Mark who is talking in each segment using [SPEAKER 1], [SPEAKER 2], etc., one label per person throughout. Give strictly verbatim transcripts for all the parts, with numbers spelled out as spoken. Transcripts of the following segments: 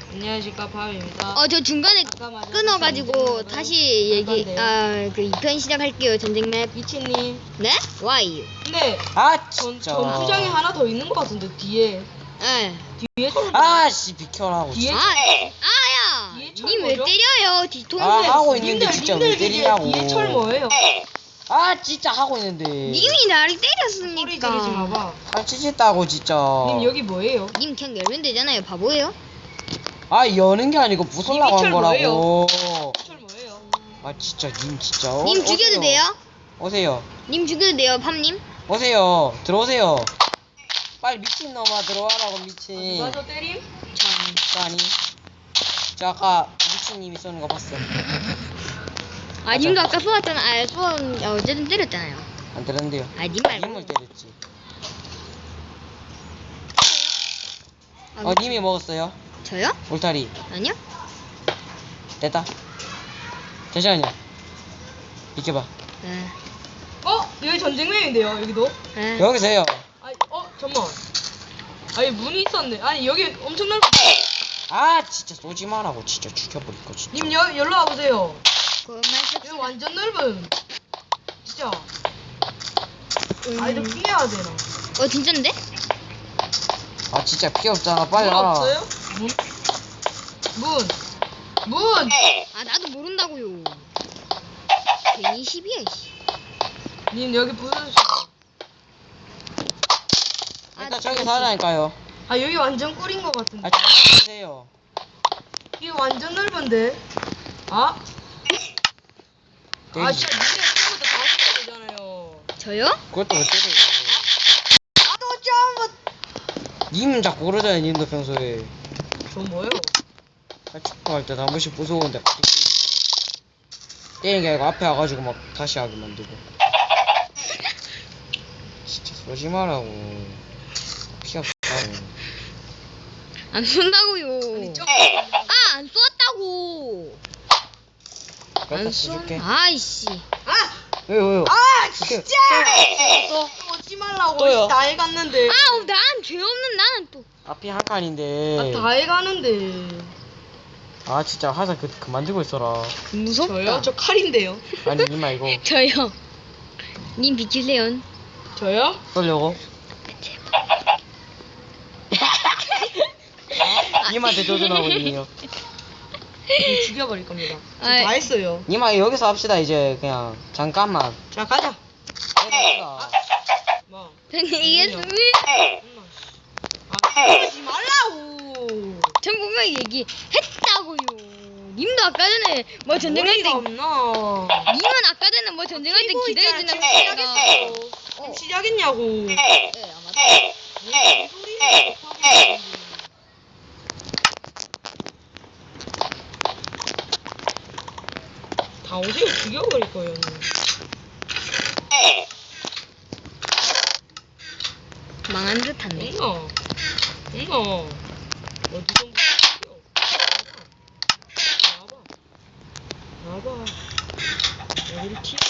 [SPEAKER 1] 안녕하십니까, 밤입니다.
[SPEAKER 2] 어, 저 중간에 끊어가지고 다시 얘기, 아, 그 이 편 시작할게요. 전쟁 맵.
[SPEAKER 1] 이치님.
[SPEAKER 2] 네? 와이.
[SPEAKER 1] 근데
[SPEAKER 3] 아
[SPEAKER 1] 전,
[SPEAKER 3] 진짜.
[SPEAKER 1] 전투장이 하나 더 있는 것 같은데, 뒤에.
[SPEAKER 2] 예.
[SPEAKER 1] 뒤에 철.
[SPEAKER 3] 아씨 비켜라고.
[SPEAKER 1] 뒤에
[SPEAKER 2] 아,
[SPEAKER 1] 철.
[SPEAKER 2] 아야!
[SPEAKER 1] 뒤에 철
[SPEAKER 2] 님 왜
[SPEAKER 1] 뭐죠?
[SPEAKER 2] 때려요? 뒤통수.
[SPEAKER 3] 아, 하고 있는데
[SPEAKER 1] 님들,
[SPEAKER 3] 진짜
[SPEAKER 1] 님들
[SPEAKER 3] 왜
[SPEAKER 1] 뒤에-
[SPEAKER 3] 때리냐고.
[SPEAKER 1] 뒤에 철 뭐예요?
[SPEAKER 3] 아 진짜 하고 있는데.
[SPEAKER 2] 님이 나를
[SPEAKER 1] 소리 지르지
[SPEAKER 2] 때렸으니까.
[SPEAKER 1] 마봐.
[SPEAKER 3] 아 찢었다고 진짜.
[SPEAKER 1] 님 여기 뭐예요?
[SPEAKER 2] 님 그냥 열면 되잖아요. 바보예요?
[SPEAKER 3] 아 여는 게 아니고 부술라고
[SPEAKER 1] 이미
[SPEAKER 3] 한
[SPEAKER 1] 철
[SPEAKER 3] 거라고.
[SPEAKER 1] 철 뭐예요?
[SPEAKER 3] 아 진짜 님 진짜. 어,
[SPEAKER 2] 님 죽여도
[SPEAKER 3] 오세요.
[SPEAKER 2] 돼요?
[SPEAKER 3] 오세요.
[SPEAKER 2] 님 죽여도 돼요, 팜님?
[SPEAKER 3] 오세요. 들어오세요. 빨리 미친 놈아 들어와라고 미친.
[SPEAKER 1] 누가 저 때림?
[SPEAKER 2] 참.
[SPEAKER 3] 아니. 저 아까 미친님이 쏘는 거 봤어.
[SPEAKER 2] 아, 님도 아까 쏘았잖아. 아, 쏘은, 어, 어쨌든 때렸잖아요.
[SPEAKER 3] 안 들었는데요.
[SPEAKER 2] 아, 님 말고.
[SPEAKER 3] 님을 때렸지.
[SPEAKER 2] 아,
[SPEAKER 3] 어 님이 먹었어요.
[SPEAKER 2] 저요?
[SPEAKER 3] 울타리.
[SPEAKER 2] 아니요?
[SPEAKER 3] 됐다. 잠시만요. 비켜봐.
[SPEAKER 2] 네.
[SPEAKER 1] 어? 여기 전쟁맵인데요, 여기도?
[SPEAKER 2] 네.
[SPEAKER 3] 여기서 해요.
[SPEAKER 1] 아니, 어? 잠만. 아니, 문이 있었네. 아니, 여기 엄청 넓.
[SPEAKER 3] 아 진짜 쏘지 마라고 진짜 죽여버릴 거 진짜.
[SPEAKER 1] 님, 여, 여기로 와보세요.
[SPEAKER 2] 그만
[SPEAKER 1] 여기
[SPEAKER 2] 씁시다.
[SPEAKER 1] 완전 넓음. 진짜.
[SPEAKER 2] 음.
[SPEAKER 1] 아니, 좀 피해야 되나?
[SPEAKER 2] 어, 진짠데?
[SPEAKER 3] 아 진짜 피 없잖아 빨리
[SPEAKER 1] 문
[SPEAKER 3] 와라.
[SPEAKER 1] 없어요? 문? 문! 문!
[SPEAKER 2] 아, 나도 모른다고요. 괜히 시비야, 씨.
[SPEAKER 1] 님, 여기 부서주세요.
[SPEAKER 3] 일단 저기 사자니까요.
[SPEAKER 1] 아, 여기 완전 꿀인 것 같은데.
[SPEAKER 3] 아 저기 세요.
[SPEAKER 1] 이거 완전 넓은데? 아? 아, 진짜 니네 친구들 다 시켜야 되잖아요.
[SPEAKER 2] 저요?
[SPEAKER 3] 그것도 못 때려.
[SPEAKER 1] 아, 또 좀!
[SPEAKER 3] 님은 자꾸 그러잖아요 님도 평소에.
[SPEAKER 1] 저 뭐예요?
[SPEAKER 3] 아, 축구할 때 한 번씩 무서운데 갑자기 때리고. 때리는 게 아니고 앞에 와가지고 막 다시 하게 만들고. 진짜 쏘지 마라고. 피 없다고.
[SPEAKER 2] 안 쏜다고요.
[SPEAKER 1] 아니, 좀.
[SPEAKER 2] 아, 안 쏘았다고.
[SPEAKER 3] 갖다
[SPEAKER 2] 안
[SPEAKER 3] 써줄게.
[SPEAKER 2] 쏜. 아이씨.
[SPEAKER 1] 아!
[SPEAKER 3] 왜요 왜요?
[SPEAKER 1] 아,
[SPEAKER 3] 이렇게
[SPEAKER 1] 진짜!
[SPEAKER 3] 또
[SPEAKER 1] 또 오지 말라고.
[SPEAKER 3] 또요?
[SPEAKER 1] 다 해갔는데.
[SPEAKER 2] 아우, 난 죄 없는 나는 또.
[SPEAKER 3] 앞이 한 칸인데.
[SPEAKER 1] 아, 다 해가는데.
[SPEAKER 3] 아 진짜 화살 그 그만 들고 있어라.
[SPEAKER 2] 무섭다.
[SPEAKER 1] 저요? 저 칼인데요.
[SPEAKER 3] 아니 님 말고
[SPEAKER 2] 저요. 님 비키세요.
[SPEAKER 1] 저요?
[SPEAKER 3] 쏠려고. 님한테 도전하고 있네요.
[SPEAKER 1] 저 죽여버릴 겁니다. 저
[SPEAKER 2] 아이.
[SPEAKER 1] 다 했어요.
[SPEAKER 3] 님아 여기서 합시다 이제 그냥 잠깐만.
[SPEAKER 1] 자, 가자.
[SPEAKER 3] 해봅시다.
[SPEAKER 1] 뭐.
[SPEAKER 2] 이겼습니다.
[SPEAKER 1] 엄마, 씨. 아, 그러지 말라고.
[SPEAKER 2] 전 분명히 얘기했다고요. 님도 아까 전에 뭐 전쟁할 때,
[SPEAKER 1] 머리가 없나?
[SPEAKER 2] 님은 아까 전에 뭐 전쟁할 때
[SPEAKER 1] 뛰고 있잖아.
[SPEAKER 2] 기다려주는
[SPEAKER 1] 지금 시작했어요.
[SPEAKER 2] 어.
[SPEAKER 1] 지금 시작했냐고.
[SPEAKER 2] 네, 아마.
[SPEAKER 1] 무슨 소리야? 못하고 있는데. 다 오세요. 죽여버릴 거예요.
[SPEAKER 2] 망한 듯한데.
[SPEAKER 1] 응어. 응어. 어디 좀 죽여. 나와봐. 나와봐. 나와봐. 여기를 튀어.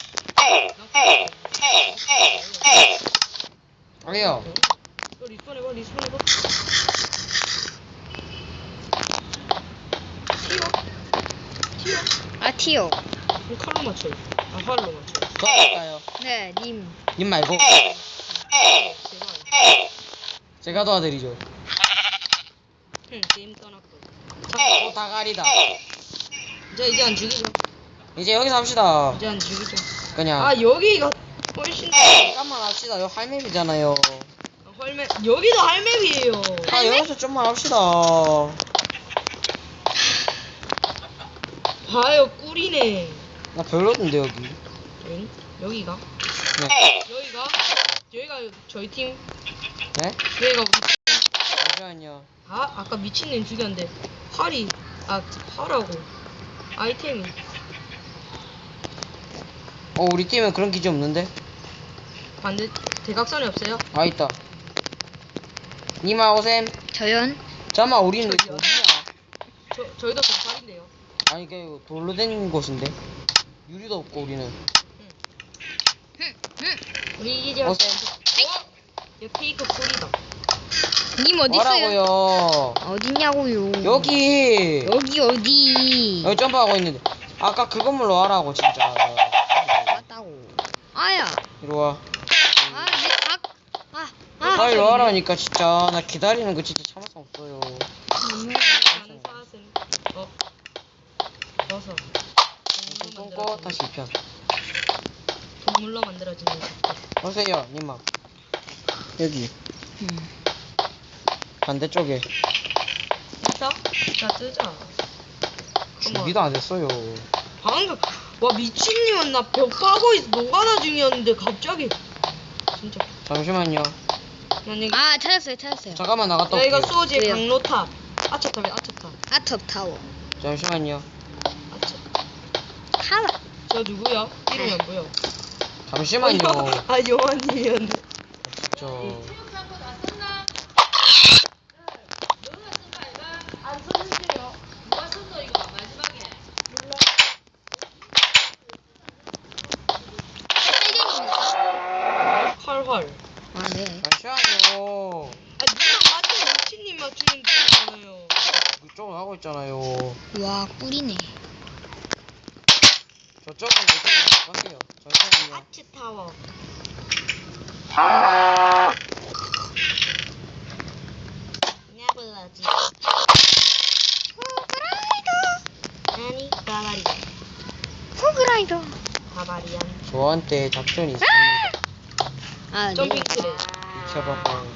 [SPEAKER 3] 아니요.
[SPEAKER 1] 너 리스폰 해봐. 리스폰 해봐. 튀어. 튀어.
[SPEAKER 2] 아, 티오.
[SPEAKER 1] 그럼 칼로 맞춰. 아, 활로 맞춰.
[SPEAKER 3] 도와드릴까요?
[SPEAKER 2] 네, 님.
[SPEAKER 3] 님 말고
[SPEAKER 1] 제발.
[SPEAKER 3] 제가 도와드리죠.
[SPEAKER 1] 응, 게임 떠났고.
[SPEAKER 3] 또 다가리다.
[SPEAKER 1] 이제 이제 안 죽이죠.
[SPEAKER 3] 이제 여기서 합시다.
[SPEAKER 1] 이제 안 죽이죠.
[SPEAKER 3] 그냥
[SPEAKER 1] 아, 여기가 훨씬 더.
[SPEAKER 3] 잠깐만 합시다. 요 할맵이잖아요.
[SPEAKER 1] 헐맵. 여기도 할맵이에요.
[SPEAKER 3] 아 여기서 좀만 합시다.
[SPEAKER 1] 봐요, 꿀이네.
[SPEAKER 3] 나 별로던데 여기.
[SPEAKER 1] 응? 여기가?
[SPEAKER 3] 네.
[SPEAKER 1] 여기가? 여기가 저희 팀.
[SPEAKER 3] 네?
[SPEAKER 1] 여기가 우리 팀.
[SPEAKER 3] 잠시만요.
[SPEAKER 1] 아, 아까 미친놈 죽였는데 활이 아 활하고 아이템이.
[SPEAKER 3] 어 우리 팀은 그런 기지 없는데?
[SPEAKER 1] 반대 대각선이 없어요?
[SPEAKER 3] 아 있다. 니마 오셈.
[SPEAKER 2] 저연.
[SPEAKER 3] 잠깐만 우리는
[SPEAKER 1] 저기요?
[SPEAKER 3] 어디냐?
[SPEAKER 1] 저 저희도 동팔인데요.
[SPEAKER 3] 아니 그 돌로 된 곳인데 유리도 없고 우리는.
[SPEAKER 1] 우리 이제
[SPEAKER 3] 오셈.
[SPEAKER 1] 어? 이거 페이크 꿀이다.
[SPEAKER 2] 님 어디 있어요?
[SPEAKER 3] 뭐라고요?
[SPEAKER 2] 어딨냐? 있냐고요.
[SPEAKER 3] 여기
[SPEAKER 2] 여기 어디?
[SPEAKER 3] 여기 점프하고 있는데 아까 그 건물로 와라고 진짜.
[SPEAKER 2] 맞다고. 아야.
[SPEAKER 3] 이리 와.
[SPEAKER 2] 아, 얘 각. 아, 아.
[SPEAKER 3] 빨리 와라니까 진짜. 나 기다리는 거 진짜 참을 수 없어요.
[SPEAKER 1] 나는 사슴. 어. 벗어. 동물로
[SPEAKER 3] 끊고
[SPEAKER 1] 만들어진
[SPEAKER 3] 다시 이 편.
[SPEAKER 1] 동물로 만들어진 녀석.
[SPEAKER 3] 오세요 님아. 여기
[SPEAKER 2] 음.
[SPEAKER 3] 반대쪽에.
[SPEAKER 1] 있어? 자 뜨자.
[SPEAKER 3] 준비도 안 됐어요.
[SPEAKER 1] 방금 와 미친님은 나 벽 파고 있어 노가다 중이었는데 갑자기 진짜
[SPEAKER 3] 잠시만요.
[SPEAKER 1] 난 이거
[SPEAKER 2] 아, 찾았어요, 찾았어요.
[SPEAKER 3] 잠깐만 나갔다
[SPEAKER 1] 야 이거
[SPEAKER 3] 올게요.
[SPEAKER 1] 수호지의
[SPEAKER 2] 왜요?
[SPEAKER 1] 강로탑 아차탑이 아차탑
[SPEAKER 2] 아톱 타워.
[SPEAKER 3] 잠시만요.
[SPEAKER 1] 아차
[SPEAKER 2] 타워.
[SPEAKER 1] 저 누구야? 이름이 안 보여
[SPEAKER 3] 잠시만요.
[SPEAKER 1] 아 요한님이었네
[SPEAKER 3] 진짜.
[SPEAKER 1] 활활
[SPEAKER 2] 아, 네.
[SPEAKER 3] 잠시만요.
[SPEAKER 1] 아 누나 맞죠? 미친님 맞추는 거잖아요
[SPEAKER 3] 이쪽은 하고 있잖아요.
[SPEAKER 2] 와, 꿀이네.
[SPEAKER 3] 저쪽은 이쪽으로 가세요. 잠시만요.
[SPEAKER 1] 아치타워 나블라지 아니 바바리안
[SPEAKER 2] 호그라이더.
[SPEAKER 1] 바바리안
[SPEAKER 3] 저한테 작전이 있습니다.
[SPEAKER 2] 아, 네.
[SPEAKER 1] 점핑 트레
[SPEAKER 3] 비켜봐봐요.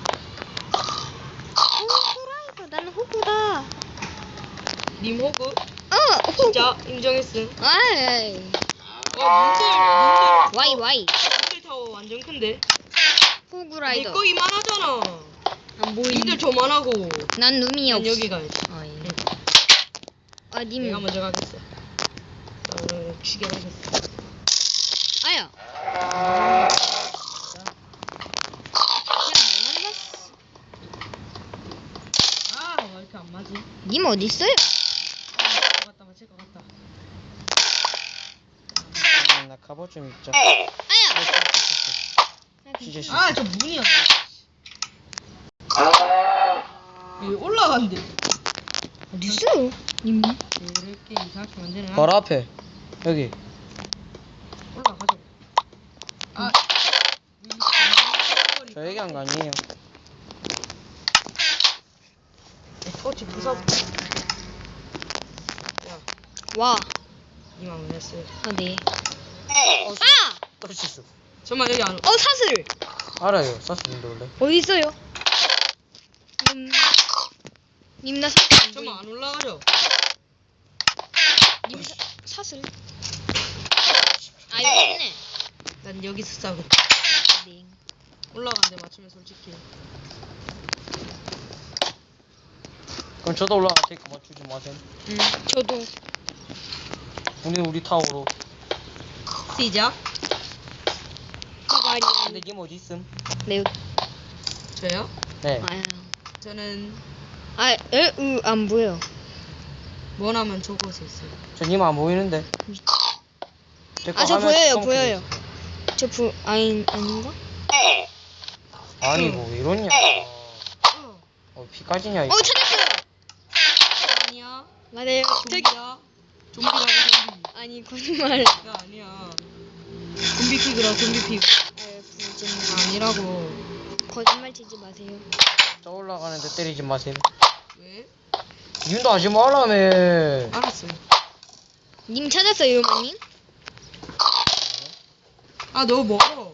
[SPEAKER 2] 호그라이더. 나는 호그다.
[SPEAKER 1] 님 호구
[SPEAKER 2] 어, 호그.
[SPEAKER 1] 진짜 인정했음
[SPEAKER 2] 아이.
[SPEAKER 1] 와 님들
[SPEAKER 2] 와이, 와이.
[SPEAKER 1] 님들 님들 타워 완전 큰데
[SPEAKER 2] 호그라이더.
[SPEAKER 1] 내거 이만하잖아
[SPEAKER 2] 안 보이.
[SPEAKER 1] 님들 저만하고
[SPEAKER 2] 난 눈이
[SPEAKER 1] 난
[SPEAKER 2] 없어.
[SPEAKER 1] 여기 가야지
[SPEAKER 2] 아, 예.
[SPEAKER 1] 응.
[SPEAKER 2] 아, 님.
[SPEAKER 1] 내가 먼저 가겠어 나 오늘 죽여야겠어
[SPEAKER 2] 아야.
[SPEAKER 1] 아, 아, 왜 이렇게 안 맞지?
[SPEAKER 2] 님 어디 있어요?
[SPEAKER 1] 아, 맞다, 맞을 것 같다.
[SPEAKER 3] 잠깐만 나 갑옷 좀 입자.
[SPEAKER 2] 아야.
[SPEAKER 3] 진짜 싫어.
[SPEAKER 1] 아, 저 문이야. 여기 올라간대.
[SPEAKER 2] 어디 있어요? 님.
[SPEAKER 1] 이렇게 이상하게 만드는.
[SPEAKER 3] 바로 앞에. 여기.
[SPEAKER 1] 올라가자. 아,
[SPEAKER 3] 저 얘기한 거 아니에요.
[SPEAKER 1] 토치 부숴. 야,
[SPEAKER 2] 와.
[SPEAKER 1] 이만 원했어요.
[SPEAKER 2] 아, 네.
[SPEAKER 3] 어,
[SPEAKER 2] 아!
[SPEAKER 3] 또 실수.
[SPEAKER 1] 정말 여기 안.
[SPEAKER 2] 어, 사슬.
[SPEAKER 3] 알아요. 사슴인데 원래.
[SPEAKER 2] 어디 있어요? 님. 님, 나 사슬 안 보이.
[SPEAKER 1] 정말 안 올라가죠?
[SPEAKER 2] 님, 사, 사슬. 아, 여기 있네.
[SPEAKER 1] 난 여기서 싸고
[SPEAKER 2] 네.
[SPEAKER 1] 올라가는데 맞추면 솔직히.
[SPEAKER 3] 그럼 저도 올라갈 테니까 맞추지 마세요.
[SPEAKER 2] 음, 저도.
[SPEAKER 3] 우리 우리 타워로.
[SPEAKER 1] 시작.
[SPEAKER 2] 가발이.
[SPEAKER 3] 근데 님 어디 있음?
[SPEAKER 2] 네.
[SPEAKER 1] 저요?
[SPEAKER 3] 네.
[SPEAKER 2] 아야.
[SPEAKER 1] 저는
[SPEAKER 2] 아, 에, 으, 안 보여.
[SPEAKER 1] 원하면 저곳에 있어요.
[SPEAKER 3] 저 님 안 보이는데. 제거
[SPEAKER 2] 아, 저
[SPEAKER 3] 화면
[SPEAKER 2] 보여요,
[SPEAKER 3] 컴퓨터에
[SPEAKER 2] 보여요.
[SPEAKER 3] 있어.
[SPEAKER 2] 저 부, 아니, 아닌가?
[SPEAKER 3] 아니 뭐 왜 이러냐.
[SPEAKER 1] 어.
[SPEAKER 3] 어 피까지냐 이거.
[SPEAKER 2] 어, 찾았어요.
[SPEAKER 1] 아니야.
[SPEAKER 2] 맞아요. 저기.
[SPEAKER 1] 좀비야. 좀비라고 좀비.
[SPEAKER 2] 아니, 거짓말.
[SPEAKER 1] 야 아니야. 좀비 피그라 좀비 피그.
[SPEAKER 2] 아, 거짓말.
[SPEAKER 1] 아니라고.
[SPEAKER 2] 거짓말 치지 마세요.
[SPEAKER 3] 저 올라가는데 때리지 마세요.
[SPEAKER 1] 왜?
[SPEAKER 3] 님도 하지 말라며.
[SPEAKER 1] 알았어.
[SPEAKER 2] 님 찾았어요, 유마님?
[SPEAKER 1] 아 너무 멀어.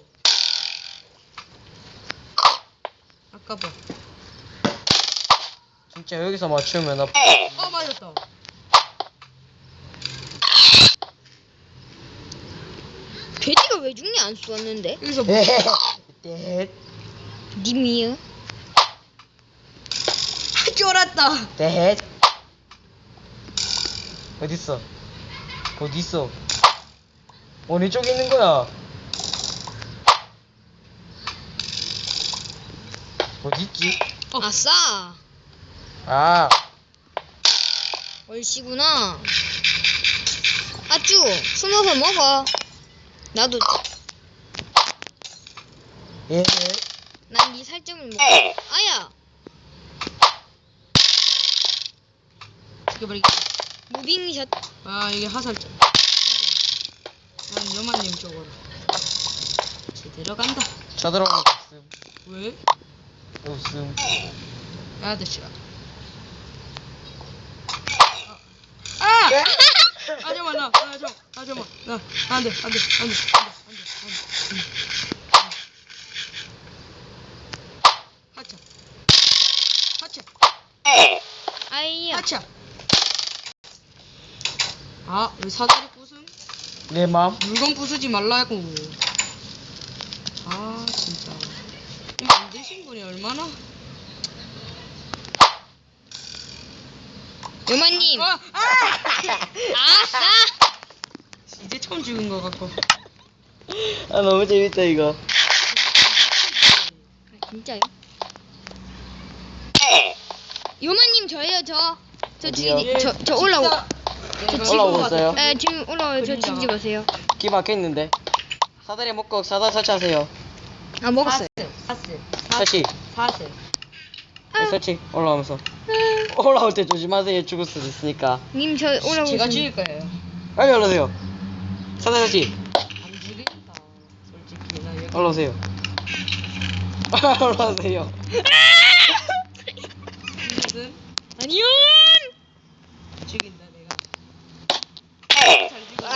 [SPEAKER 1] 아까봐.
[SPEAKER 3] 진짜 여기서 맞추면 나.
[SPEAKER 1] 어 맞았다.
[SPEAKER 2] 돼지가 왜 죽냐 안 쏘았는데?
[SPEAKER 1] 여기서 뭐?
[SPEAKER 3] 에헤헤. 떼.
[SPEAKER 2] 님이요?
[SPEAKER 1] 쫄았다.
[SPEAKER 3] 떼. 어딨어? 어딨어? 어느 쪽에 있는 거야? 어딨지?
[SPEAKER 1] 어.
[SPEAKER 2] 아싸!
[SPEAKER 3] 아,
[SPEAKER 2] 얼씨구나. 아쭈, 숨어서 먹어. 나도,
[SPEAKER 3] 예.
[SPEAKER 2] 난 네 살점을 먹어. 아야!
[SPEAKER 1] 죽여버리기.
[SPEAKER 2] 무빙샷.
[SPEAKER 1] 아 이게 화살점. 난 요만님 쪽으로. 제대로 간다.
[SPEAKER 3] 쳐들어가면 없음.
[SPEAKER 1] 왜?
[SPEAKER 3] 없음.
[SPEAKER 1] 아저씨야. 아! 하지마 나, 하지마, 하지마 나, 안돼, 안돼, 안돼, 안돼, 안돼, 안돼. 하차, 하차,
[SPEAKER 2] 아이야.
[SPEAKER 1] 하차. 아, 왜 사다리 부순?
[SPEAKER 3] 내 맘.
[SPEAKER 1] 물건 부수지 말라고. 아, 진짜. 이 만드신 분이 얼마나?
[SPEAKER 2] 요만님.
[SPEAKER 1] 아, 아!
[SPEAKER 2] 아싸.
[SPEAKER 1] 이제 처음 죽은 것 같고.
[SPEAKER 3] 아 너무 재밌다 이거.
[SPEAKER 2] 아, 진짜요? 요만님 저예요 저. 저
[SPEAKER 3] 어디요?
[SPEAKER 2] 죽이지. 저, 저 올라오.
[SPEAKER 1] 저
[SPEAKER 2] 저
[SPEAKER 3] 올라오고 있어요?
[SPEAKER 2] 에 지금 올라와요. 저
[SPEAKER 1] 그림자가.
[SPEAKER 2] 죽이지 마세요.
[SPEAKER 3] 기 막혀있는데. 사다리 먹고 사다 설치하세요.
[SPEAKER 2] 아 먹었어요.
[SPEAKER 1] 사슬,
[SPEAKER 3] 설치.
[SPEAKER 1] 사슬.
[SPEAKER 2] 아.
[SPEAKER 3] 설치. 올라오면서. 올라올 때 조심하세요. 죽을 수도 있으니까.
[SPEAKER 2] 님 저 올라오고
[SPEAKER 1] 제가
[SPEAKER 2] 있습니다.
[SPEAKER 1] 죽일 거예요.
[SPEAKER 3] 빨리 올라오세요. 사다리 설치.
[SPEAKER 1] 안 죽이겠다. 솔직히 나 여기.
[SPEAKER 3] 올라오세요. 올라오세요.
[SPEAKER 1] 무슨
[SPEAKER 2] 아니요.
[SPEAKER 1] 죽인다 내가. 잘 죽여.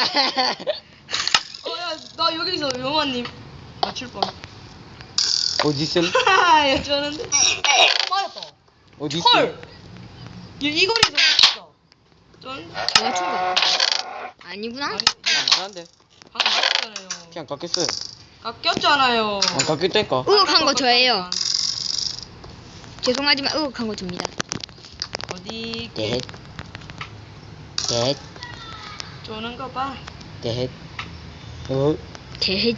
[SPEAKER 1] 어야 나 여기서 요만님 맞출 뻔.
[SPEAKER 3] 어디 있음?
[SPEAKER 1] 하하 여쭈는데. 맞았다.
[SPEAKER 3] 어디 있음?
[SPEAKER 1] 헐. 얘 이 거리에서 맞았어. 전
[SPEAKER 2] 제가 춘 거. 아니구나.
[SPEAKER 1] 아니
[SPEAKER 3] 안돼.
[SPEAKER 1] 방금 맞았잖아요.
[SPEAKER 3] 그냥 깎였어요.
[SPEAKER 1] 깎였잖아요.
[SPEAKER 3] 안 깎였다니까.
[SPEAKER 2] 의혹한 거 저예요. 죄송하지만 의혹한 거 접니다.
[SPEAKER 1] 어디
[SPEAKER 3] 넷. 넷.
[SPEAKER 1] 쪼는 거 봐.
[SPEAKER 3] 넷. 어.
[SPEAKER 2] 대.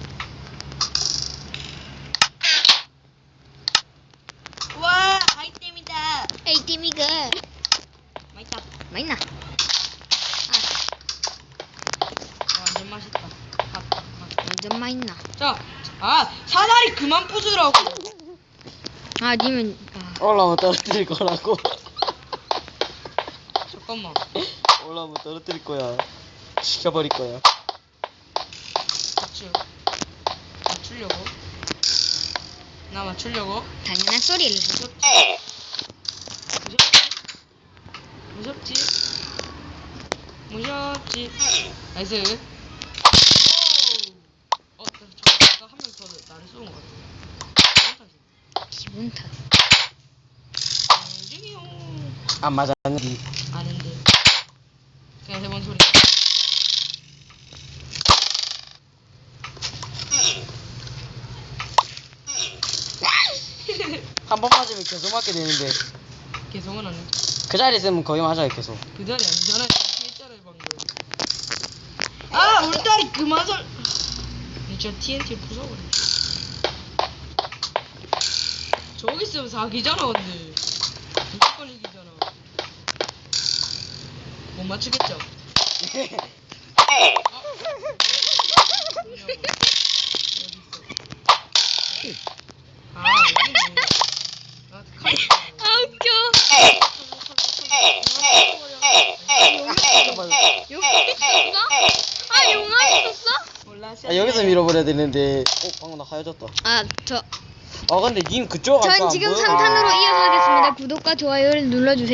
[SPEAKER 1] 와 아이템이다.
[SPEAKER 2] 에이티미가
[SPEAKER 1] 맛있다.
[SPEAKER 2] 맛있나?
[SPEAKER 1] 완전 맛있다. 밥, 밥, 밥.
[SPEAKER 2] 완전 맛있나?
[SPEAKER 1] 자, 아 사다리 그만 부수라고.
[SPEAKER 2] 아 님은 아,
[SPEAKER 3] 올라오면 떨어뜨릴 거라고.
[SPEAKER 1] 잠깐만.
[SPEAKER 3] 올라오면 떨어뜨릴 거야. 시켜버릴 거야.
[SPEAKER 1] 맞추. 맞추려고. 나 맞추려고.
[SPEAKER 2] 당연한 소리를.
[SPEAKER 1] 무섭지? 무섭지? 무섭지? 무섭지? 나이스. 오. 어, 저, 한 명 더 나를 쏘는 것 같아.
[SPEAKER 2] 기분 탓.
[SPEAKER 1] 중이요.
[SPEAKER 3] 안 맞았니?
[SPEAKER 1] 아는데. 그냥 해본 소리.
[SPEAKER 3] 한 번 맞으면 계속 맞게 되는데.
[SPEAKER 1] 계속은 안 해.
[SPEAKER 3] 그 자리에 있으면 거의 맞아요 계속.
[SPEAKER 1] 그 자리 아니잖아. 피했잖아요 방금. 아 울다리 그만 설. 저 티엔티 부숴버려. 저기 있으면 사기잖아 근데. 무조건 이기잖아. 못 맞추겠죠? 아 여기네. 아 칼.
[SPEAKER 2] 아 웃겨. 용암 있었어? 아 용암 있었어?
[SPEAKER 1] 몰라.
[SPEAKER 3] 아, 여기서 밀어버려야 되는데. 어 방금 나 하얘졌다.
[SPEAKER 2] 아 저
[SPEAKER 3] 아 근데 님 그쪽
[SPEAKER 2] 전
[SPEAKER 3] 아까 안
[SPEAKER 2] 지금
[SPEAKER 3] 보여요?
[SPEAKER 2] 삼 탄으로 이어서 하겠습니다. 구독과 좋아요를 눌러주세요.